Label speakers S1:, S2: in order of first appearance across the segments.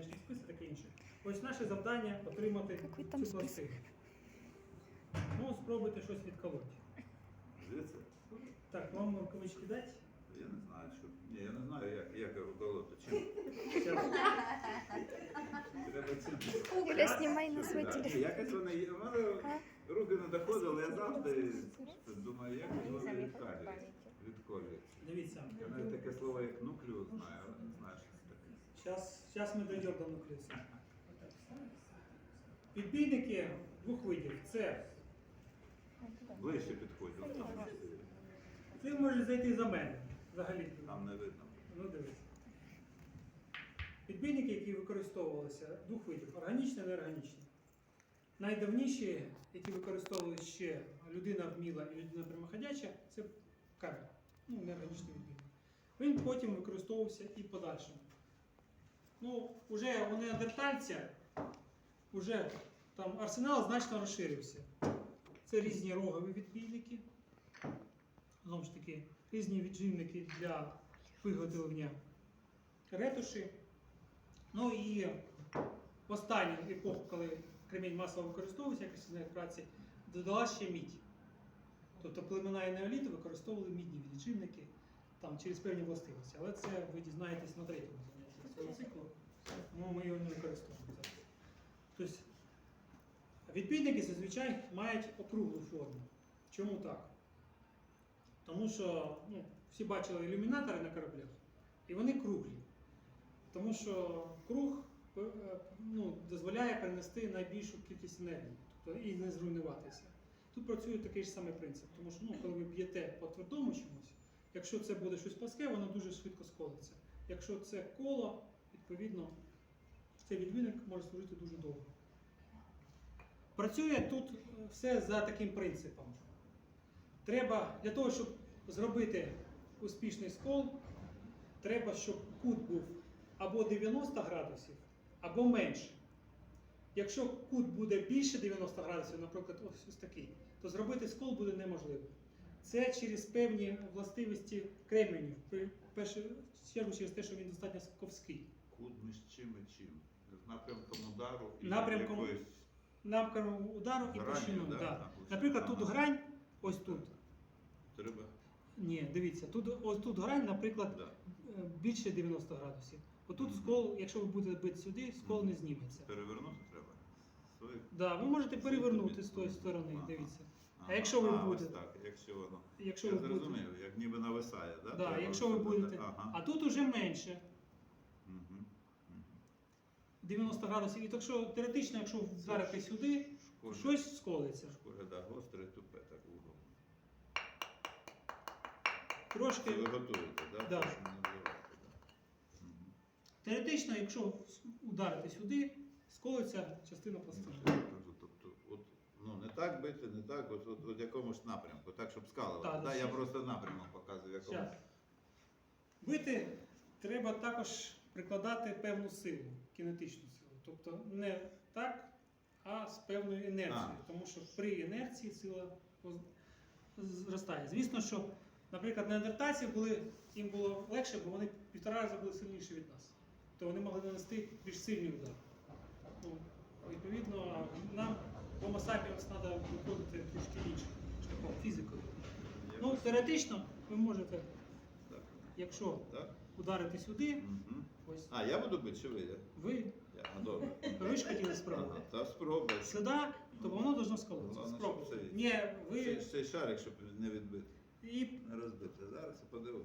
S1: знайшли спис і таке інше. Ось наше завдання отримати цю пластину. Ну, спробуйте щось відколоти.
S2: Звідси?
S1: Так, вам рукавички дати?
S2: Я не знаю, що. Ні, я не знаю, як його колоти. Чим?
S1: Зараз.
S2: Треба цим.
S3: Юля, знімай на свій
S2: Да,
S3: телефон.
S2: ні, якось вони, в мене руки не доходили, я завжди думаю, як вони відколюються.
S1: Дивіться.
S2: Я навіть таке слово, як нуклеус знаю, але не знаю, що це таке.
S1: Зараз ми дійдемо до нуклеуса. Підбійники двох видів. Це
S2: Ближче підходять.
S1: ти можеш зайти за мене. Взагалі.
S2: Там не видно.
S1: Ну, дивись. Підбійники, які використовувалися, двох видів: органічні і неорганічні. Найдавніші, які використовували ще людина вміла і людина прямоходяча, це камінь. Ну, неорганічний відбійник. Він потім використовувався і подальшим. Ну, вже у неандертальця вже там арсенал значно розширився. Це різні рогові відбійники. Знову ж таки, різні віджимники для виготовлення ретуші. Ну і в останню епоху, коли кремінь масово використовується як сільської праці, додала ще мідь. Тобто племена і неоліту використовували мідні віджимники там, через певні властивості. Але це ви дізнаєтесь на третьому занятті цього циклу, тому ми його не використовуємо зараз. Тобто, відбійники зазвичай мають округлу форму. Чому так? Тому що всі бачили ілюмінатори на кораблях, і вони круглі. Тому що круг дозволяє перенести найбільшу кількість енергії, тобто і не зруйнуватися. Тут працює такий ж самий принцип, тому що коли ви б'єте по твердому чомусь, якщо це буде щось пласке, воно дуже швидко сколиться. Якщо це коло, відповідно, цей відбійник може служити дуже довго. Працює тут все за таким принципом. Треба, для того, щоб зробити успішний скол, треба, щоб кут був або 90 градусів, або менше. Якщо кут буде більше 90 градусів, наприклад, ось такий, то зробити скол буде неможливо. Це через певні властивості кременю, в першу чергу через те, що він достатньо ковський.
S2: Кут між чим і чим? З напрямком удару і
S1: Напрямком удару і
S2: гранню,
S1: площиною.
S2: да?
S1: Да. Наприклад, тут грань, ось тут.
S2: Треба.
S1: Ні, дивіться, ось тут грань, наприклад,
S2: Да.
S1: більше 90 градусів. Отут скол, якщо ви будете бити сюди, скол не зніметься.
S2: Перевернути треба.
S1: Да, ви можете перевернути з тої сторони,
S2: Ага.
S1: дивіться. А якщо ви
S2: ось
S1: будете?
S2: так, якщо воно.
S1: Якщо
S2: Я
S1: ви будете.
S2: зрозумів, як ніби нависає, да?
S1: Да,
S2: Треба
S1: якщо ви
S2: ось
S1: будете.
S2: Ага.
S1: А тут уже менше.
S2: Мгм.
S1: 90 градусів. І так що теоретично, якщо вдарити сюди,
S2: Шкода.
S1: щось сколиться.
S2: Шкода, да, гостре, тупе, так угол. Це
S1: Трошки.
S2: ви готуєте, да?
S1: Да.
S2: Те, що називаєте, да. Мгм.
S1: Теоретично, якщо ударити сюди, сколиться частина пластини.
S2: Тобто, не так бити, не так, от якомусь напрямку, так, щоб скалувати.
S1: Так,
S2: Да, я
S1: щас.
S2: просто напрямок показую, якому.
S1: Щас. Бити треба також прикладати певну силу, кінетичну силу. Тобто не так, а з певною інерцією. Тому що при інерції сила зростає. Звісно, що, наприклад, неандертальці їм було легше, бо вони 1,5 рази були сильніші від нас. То вони могли нанести більш сильний удар. Відповідно, нам Homo sapiens треба виходити трішки іншим шляхом, фізикою. Теоретично ви можете,
S2: Так.
S1: якщо
S2: Так?
S1: ударити сюди,
S2: Мгм.
S1: ось
S2: А, я буду бити, чи ви?
S1: ви
S2: Добре.
S1: ж хотіли спробувати.
S2: Ага, та спробуй.
S1: Сюди, то воно должно сколотися.
S2: Головне,
S1: Спробуйте.
S2: щоб
S1: Ні, ви
S2: Цей шарик, щоб не відбити,
S1: і,
S2: не розбити. Зараз я подивлюсь.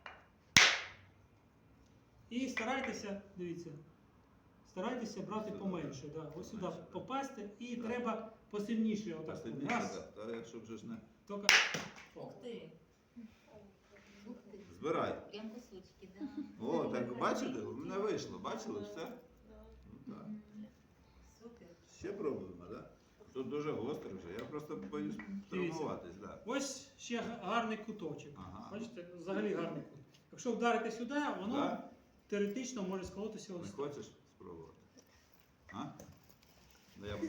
S1: і старайтеся, дивіться, старайтеся брати
S2: Сюди,
S1: поменше.
S2: так.
S1: Да. Ось сюди
S2: Поменше, так.
S1: попасти і
S2: Так.
S1: треба посильніше. Отак.
S2: Посильніше,
S1: Раз,
S2: так. Та якщо вже ж не...
S1: тільки.
S4: Ух ты. Ух ты.
S2: Збирай.
S4: Прям кусочки, да.
S2: О, так бачите? У мене вийшло. Бачили все? Ну, так.
S4: Супер.
S2: Ще пробуємо, так? Да? Тут дуже гостро вже. Я просто боюсь травмуватись, так. Да.
S1: Ось ще гарний куточок.
S2: Ага.
S1: Бачите, взагалі гарний кут. Якщо вдарити сюди, воно
S2: Да?
S1: теоретично може сколотися
S2: Не
S1: ось так.
S2: хочеш спробувати? А? Да я буду.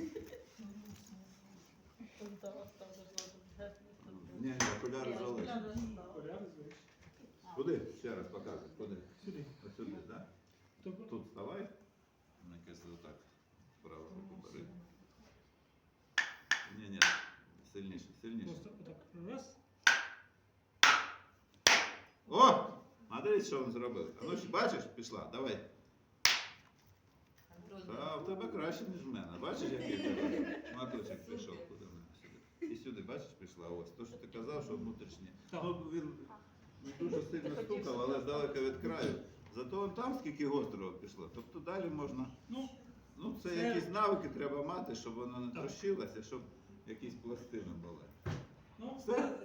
S2: Ні, окуляри залиш.
S1: Окуляри, звичайно.
S2: Куди? Ще раз показуй. Куди?
S1: Сюди.
S2: Ось сюди, так?
S1: Тобто,
S2: Тут вставай. кажется, отак. Праву руку бери. Ні, сильніше, сильніше.
S1: Просто отак. Раз.
S2: О! Смотрите, що він зробив. А ну, бачиш, пішла, давай.
S4: Контрольний.
S2: Та в тебе краще, ніж в мене. Бачиш, який тебе маточок пішов куди мене сюди. І сюди, бачиш, пішла ось. То, що ти казав, що внутрішнє.
S1: Так.
S2: Ну, він не дуже сильно стукав, але далеко від краю. Зато он там скільки гострого пішло. Тобто далі можна.
S1: Ну,
S2: Це
S1: це-
S2: якісь навики треба мати, щоб воно не
S1: Так.
S2: трощилося, щоб якісь пластини були.
S1: ну,
S2: Все?